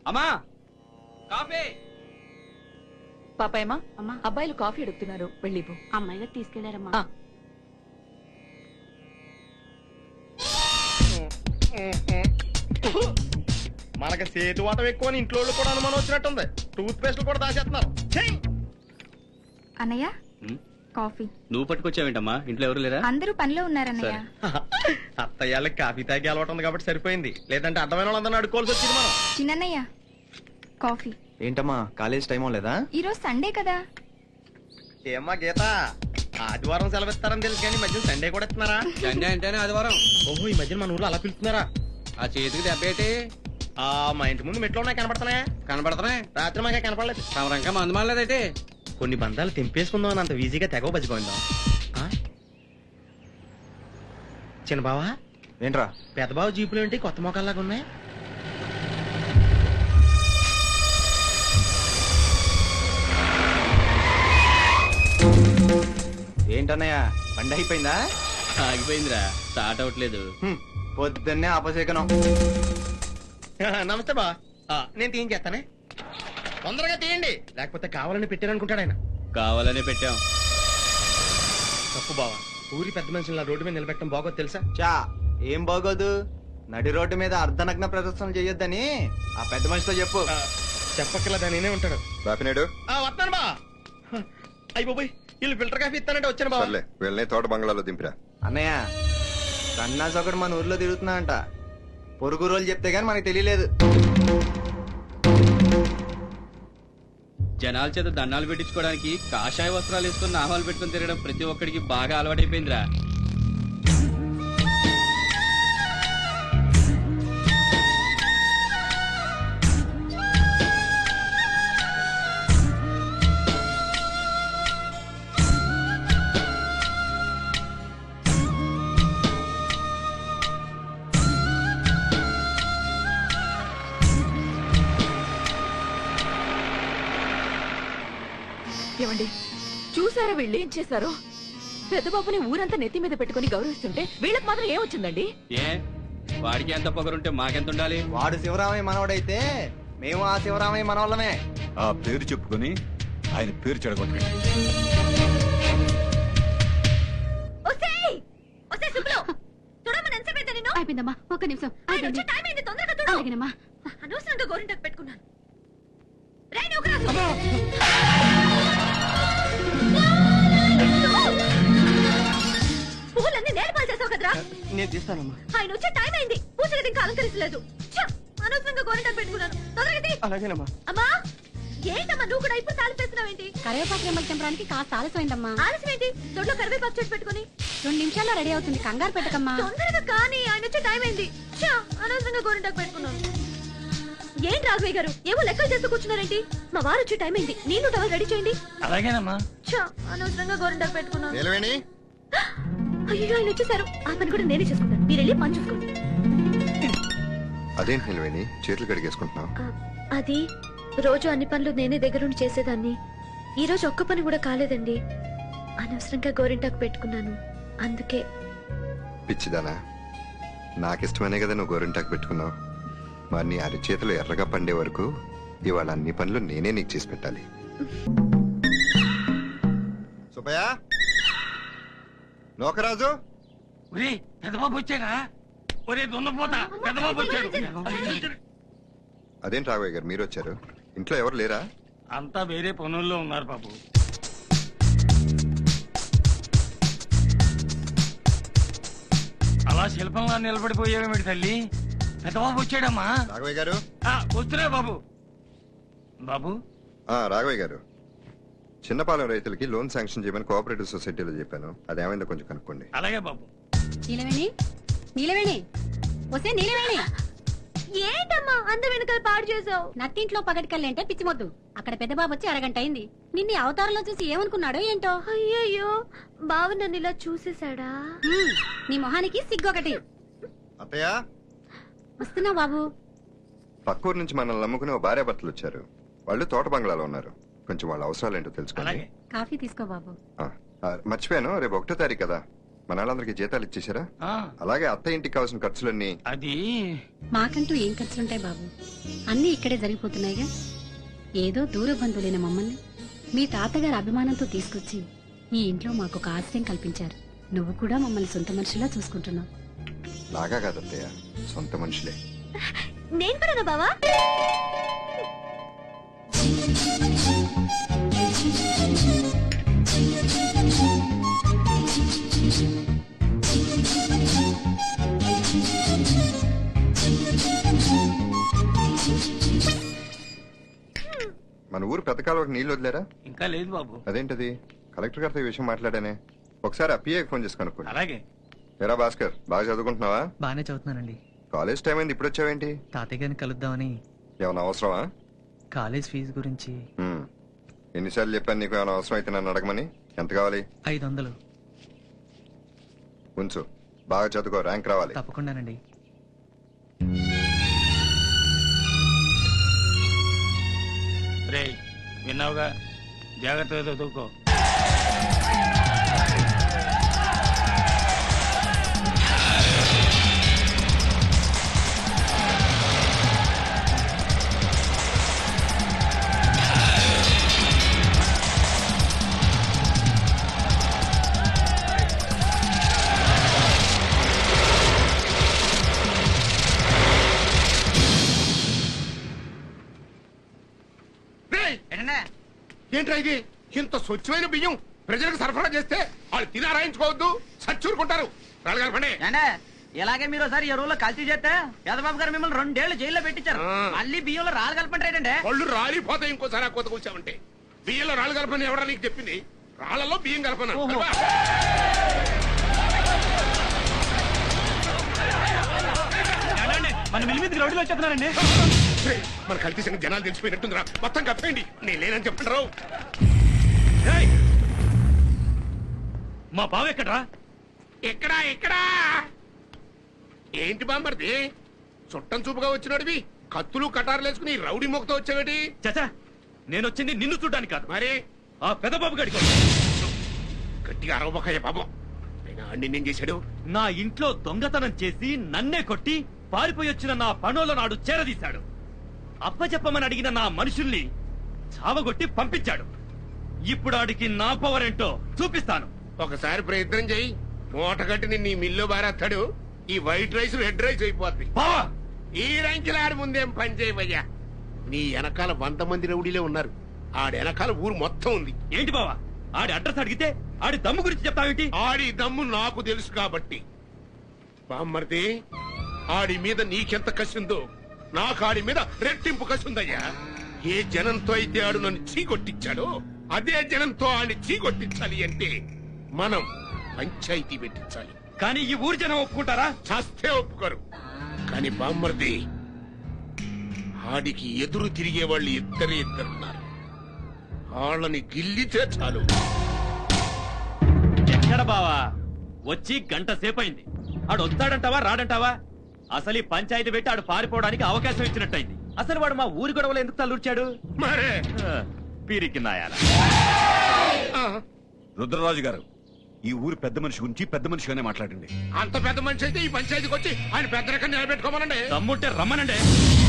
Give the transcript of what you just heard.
అమ్మా కాఫీ. పాపాయమ్మా, అమ్మా అబ్బాయిలు కాఫీ అడుగుతున్నారు, వెళ్ళిపో. అమ్మాయి గారు తీసుకెళ్లారమ్మా. ఆ. మనకి సేతు వాతం ఎక్కువ ఇంట్లో కూడా అనుమానం వచ్చినట్టుంది. టూత్ పేస్ట్ కూడా దాచేస్తున్నారు. అన్నయ్య ఉమ్, కాఫీ. నువ్వు పట్టుకొచ్చావేంటమ్మా? ఇంట్లో ఎవరు లేరా? అందరూ పనిలో ఉన్నారన్నయ్య. అత్తయ్యాళ్ళకి కాఫీ తాగి అలవాటు ఉంది కాబట్టి సరిపోయింది. లేదంటే అర్థమైన వాళ్ళందరినీ అడుకోవాల్సి వచ్చింది మనం. చిన్నన్నయ్య కాఫీ. ఏంటమ్మా కాలేజ్ టైం లేదా? ఈ రోజు సండే కదా. ఏమ్మా గీత, ఆదివారం సెలవిస్తారని తెలుసు కానీ ఈ మధ్యన సండే కూడా ఇస్తున్నారా? సండే అంటేనే ఆదివారం. ఓహో, ఈ మధ్యన మన ఊర్లో అలా పిలుస్తున్నారా? ఆ చేతికి దెబ్బేటి ఆ మా ఇంటి ముందు మెట్లు ఉన్నాయి, కనపడుతున్నాయా? కనపడుతున్నాయి. రాత్రి మాకే కనపడలేదు. సమరంగా మందు మాడలేదైతే. కొన్ని బంధాలు తెంపేసుకుందాం అని అంత ఈజీగా తెగవ బతిపోయిందాం. చిన్న బావా, ఏంట్రా? పెద్ద బావ జీపులు ఏంటి కొత్త మొక్కల్లాగా ఉన్నాయి? ఏంటన్నయ్య బండి అయిపోయిందా? ఆగిపోయిందిరా, స్టార్ట్ అవట్లేదు. పొద్దున్నే అపశేకనం. నమస్తే బా, నేను తీయించేస్తానే. తొందరగా తీయండి, లేకపోతే కావాలని పెట్టారనుకుంటాడు ఆయన. కావాలనే పెట్టాం. తప్పు బావా, ఊరి పెద్ద మనుషులు రోడ్డు మీద నిలబెట్టడం బాగోదు తెలుసా? చా ఏం బాగోదు. నడి రోడ్డు మీద అర్ధనగ్న ప్రదర్శన చేయొద్దని ఆ పెద్ద మనిషితో చెప్పు. చెప్పక్కర్లేదా, నేనే ఉంటాడు. బాపినాడు వస్తాను బా. అయిపోయి వీళ్ళు ఫిల్టర్ కాఫీ ఇస్తానంటే వచ్చాను బావ. సర్లే వీళ్ళని తోట బంగ్లాలో దింపిరా. అన్నయ్య సన్నాసి ఒకడు మన ఊర్లో తిరుగుతున్నా అంట. పొరుగు రోజులు చెప్తే గానీ మనకి తెలియలేదు. జనాల చేత దండాలు పెట్టించుకోవడానికి కాషాయ వస్త్రాలు వేసుకుని నామాలు పెట్టుకుని తిరగడం ప్రతి ఒక్కడికి బాగా అలవాటైపోయిందిరా. ఏమండి, చూసారా వీళ్ళు ఏం చేశారో? పెద్ద బాబుని ఊరంతా నెత్తి మీద పెట్టుకుని గౌరవిస్తుంటే వీళ్ళకి మాత్రం ఏం వచ్చిందండి? ఏ వాడికి ఎంత పొగరుంటే మాకెంత ఉండాలి? వాడు శివరామయ్య మనవడైతే మేము ఆ శివరామయ్య మనవాళ్ళమే. ఆ పేరు చెప్పుకొని ఆయన పేరు చెడగొట్టండి. అయిపోయిందమ్మా, ఒక్క నిమిషం. అలాగేనమ్మా. అనవసరంగా గోరింటాకు పెట్టుకున్నాను. పువ్వులన్నీ నేలపాలు చేసావు కదరా. నేను తీస్తానమ్మా. ఆయన వచ్చే టైం అయింది, పూజ గది ఇంకా అలంకరించలేదు. అనవసరంగా గోరింటాకు పెట్టుకున్నాను. తొందరగా తీ. అలాగేనమ్మా. అమ్మా, ఏంటమ్మా నువ్వు కూడా ఇప్పుడు తాలిపేస్తున్నావేంటి? కరివేపాకు రెమ్మలు తెంపడానికి కాస్త ఆలస్యమైందమ్మా. ఆలస్యం ఏంటి? దొడ్లో కరివేపాకు చెట్టు పెట్టుకుని 2 నిమిషాల్లో రెడీ అవుతుంది, కంగారు పెట్టకమ్మా. తొందరగా కానీ, ఆయన వచ్చే టైం అయింది. అనవసరంగా గోరింటాకు పెట్టుకున్నాను. ఏంటి రాఘవయ్య గారు, ఏవో లెక్కలు చేస్తూ కూర్చున్నారేంటి? మా వారు వచ్చే టైం అయింది, నీళ్లు టవల్ రెడీ చేయండి. అలాగేనమ్మా. అనవసరంగా గోరింటాకు పెట్టుకున్నాను. నిలవేణి, అయ్యో, ఆయన వచ్చేసారు. ఆ పని కూడా నేనే చేసుకుంటాను, మీరు వెళ్ళి పని చూసుకోండి. అదేంటి నిలవేణి చేతులు కడిగేసుకుంటున్నావు? అది రోజు అన్ని పనులు నేనే దగ్గరుండి చేసేదాన్ని. ఈ రోజు ఒక్క పని కూడా కాలేదండి. అనవసరంగా గోరింటాకు పెట్టుకున్నాను, అందుకే. పిచ్చిదానా, నాకిష్టమనే కదా నువ్వు గోరింటాకు పెట్టుకున్నావు. మరి నీ అరిచేతులు ఎర్రగా పండే వరకు ఇవాళ అన్ని పనులు నేనే నీకు చేసి పెట్టాలి. సుబ్బయ్య, నోకరాజు, అదేంటి రాఘవయ్య గారు మీరు వచ్చారు? ఇంట్లో ఎవరు లేరా? అంతా వేరే పనుల్లో ఉన్నారు బాబు. అలా శిల్పంగా నిలబడిపోయావేమిటి తల్లి? పెద్దబాబు వచ్చాడమ్మా. రాఘవయ్య గారు, వస్తున్నా బాబు. బాబు, రాఘవయ్య గారు, చిన్నపాలెం రైతులకి లోన్ శాంక్షన్ చేయమని కోఆపరేటివ్ సొసైటీలో చెప్పాను. అదేమైందో కొంచెం కనుక్కోండి. అలాగే బాబు. నీలవేణి, నీలవేణి, వస్తే నీలవేణి. ఏంటమ్మా అంత వెనకాల పాడు చేసావు? నట్టింట్లో పగటికల్లేంటే పిచ్చిమొద్దు. అక్కడ పెద్ద బాబు వచ్చి అరగంట అయింది. నిన్ను అవతారంలో చూసి ఏమనుకున్నాడో ఏంటో. అయ్యయ్యో, బావ నన్ను ఇలా చూసేశాడా? నీ మొహానికి సిగ్గొకటి. అత్తయ్య, వస్తున్నా బాబు. పక్కూరు నుంచి మనల్ని నమ్ముకుని ఓ భార్య భర్తలు వచ్చారు. వాళ్ళు తోట బంగ్లాలో ఉన్నారు. కొంచెం వాళ్ళ అవసరాలు ఏంటో తెలుసుకోండి. కాఫీ తీసుకో బాబు. మర్చిపోయాను, రేపు 1వ తారీఖు కదా, మన వాళ్ళందరికీ జీతాలు ఇచ్చేసారా? ఆ, అలాగే అత్త ఇంటికి కావాల్సిన ఖర్చులన్నీ అది మాకంటూ ఏం ఖర్చులుంటాయి బాబు, అన్నీ ఇక్కడే జరిగిపోతున్నాయిగా. ఏదో దూర బంధువులైన మమ్మల్ని మీ తాతగారి అభిమానంతో తీసుకొచ్చి ఈ ఇంట్లో మాకు ఒక ఆశ్రయం కల్పించారు. నువ్వు కూడా మమ్మల్ని సొంత మనిషిలా చూసుకుంటున్నావు. లాగా కాదత్తయ్య, సొంత మనుషులే. నేను కూడా బావా. మన ఊరు పెద్ద కాలువకి నీళ్లు వదిలేరా? ఇంకా లేదు బాబు. అదేంటది? కలెక్టర్ గారితో ఈ విషయం మాట్లాడానే. ఒకసారి ఆ పిఏకి ఫోన్ చేసి కనుక్కోండి. అలాగే. ఎరా భాస్కర్, బాగా చదువుకుంటున్నావా? బానే చదువుతున్నానండి. కాలేజ్ టైం అయింది, ఇప్పుడు వచ్చావేంటి? తాతయ్య గారిని కలుద్దామని. ఏమైనా అవసరమా? కాలేజ్ ఫీజు గురించి. ఎన్నిసార్లు చెప్పాను నీకు ఏమైనా అవసరం అయితే నన్ను అడగమని. ఎంత కావాలి? 500. ఉంచు, బాగా చదువుకో, ర్యాంక్ రావాలి. తప్పకుండానండి. రేయ్, విన్నావుగా, జాగ్రత్తగా చదువుకో. ఏంట్రా ఇది? ఇంత స్వచ్ఛమైన బియ్యం ప్రజలకు సరఫరా చేస్తే వాళ్ళు తిని ఆరాయించుకోవద్దు, సచ్చూరుకుంటారు. రాళ్ళగారు ఇలాగే మీరు ఒకసారి ఎరువులో కల్తీ చేస్తే యాదబాబు గారు మిమ్మల్ని 2 ఏళ్లు జైల్లో పెట్టించారు. మళ్ళీ బియ్యంలో రాళ్ళు కలపండి. వాళ్ళు రాలిపోతాయి ఇంకోసారి ఆ కొత్త కూర్చామంటే. బియ్యంలో రాళ్ళు కలపని ఎవరా నీకు చెప్పింది? రాళ్లలో బియ్యం కలపను. మన మిల్ మీదకి రౌడీలు వచ్చేస్తున్నారండి. మన కల్తీ సంగతి జనాలు తెలిసిపోయినట్టుందిరా. మొత్తం కప్పేయండి. నేను లేనని చెప్పంటారు. మా బావ ఎక్కడ్రా? ఎక్కడా ఎక్కడా? ఏంటి బామ్మర్ది, చుట్టం చూపుగా వచ్చినోడివి కత్తులు కటారులు వేసుకుని రౌడీ మొక్కతో వచ్చావేటి? చచా, నేను వచ్చింది నిన్ను చూడ్డానికి కాదు, మరి ఆ పెదబాబు గడికి. గట్టిగా అరవబోకయ్య పాపం. నిన్నేం చేశాడు? నా ఇంట్లో దొంగతనం చేసి నన్నే కొట్టి పారిపోయి వచ్చిన నా పనోళ్ళ నాడు చేరదీశాడు. అప్పచెప్పమని అడిగిన నా మనుషుల్ని చావగొట్టి పంపించాడు. ఇప్పుడు ఆడికి నా పవర్ ఏంటో చూపిస్తాను. ఒకసారి ప్రయత్నం చెయ్యి. మూట కట్టి నిన్ను ఈ మిల్లో బారేస్తాడు. ఈ వైట్ రైస్ రెడ్ రైస్ అయిపోద్ది. ఈ రంకిలాడి ముందేం పని చేయవయ్యా. నీ వెనకాల 100 మంది రౌడీలే ఉన్నారు. ఆడి వెనకాల ఊరు మొత్తం ఉంది. ఏంటి బావా, ఆడి అడ్రస్ అడిగితే ఆడి దమ్ము గురించి చెప్తావేంటి? ఆడి దమ్ము నాకు తెలుసు కాబట్టి. బామ్మర్ది, ఆడి మీద నీకెంత కసిందో నాకు ఆడి మీద రెట్టింపు కసిందయ్యా. ఏ జనంతో అయితే ఆడు నన్ను చీకొట్టించాడో అదే జనంతో ఆడిని చీకొట్టించాలి అంటే మనం పంచాయతీ పెట్టించాలి. కానీ ఈ ఊరి జనం ఒప్పుకుంటారా? చస్తే ఒప్పుకోరు. కానీ బామ్మర్ది, ఆడికి ఎదురు తిరిగే వాళ్ళు ఇద్దరున్నారు. వాళ్ళని గిల్లితే చాలు. ఎక్కడ బావా, వచ్చి గంట సేపైంది. ఆడు వస్తాడంటావా రాడంటావా? అసలు ఈ పంచాయతీ పెట్టి ఆడు పారిపోవడానికి అవకాశం ఇచ్చినట్టయింది. అసలు వాడు మా ఊరి గొడవలు ఎందుకు తల్లూర్చాడు? మరే పీరికి నాయాల. రుద్రరాజు గారు, ఈ ఊరి పెద్ద మనిషి గురించి పెద్ద మనిషిగానే మాట్లాడండి. అంత పెద్ద మనిషి అయితే ఈ పంచాయతీకి వచ్చి ఆయన పెద్ద రకం నిలబెట్టుకోమనండి. దమ్ముంటే రమ్మనండి.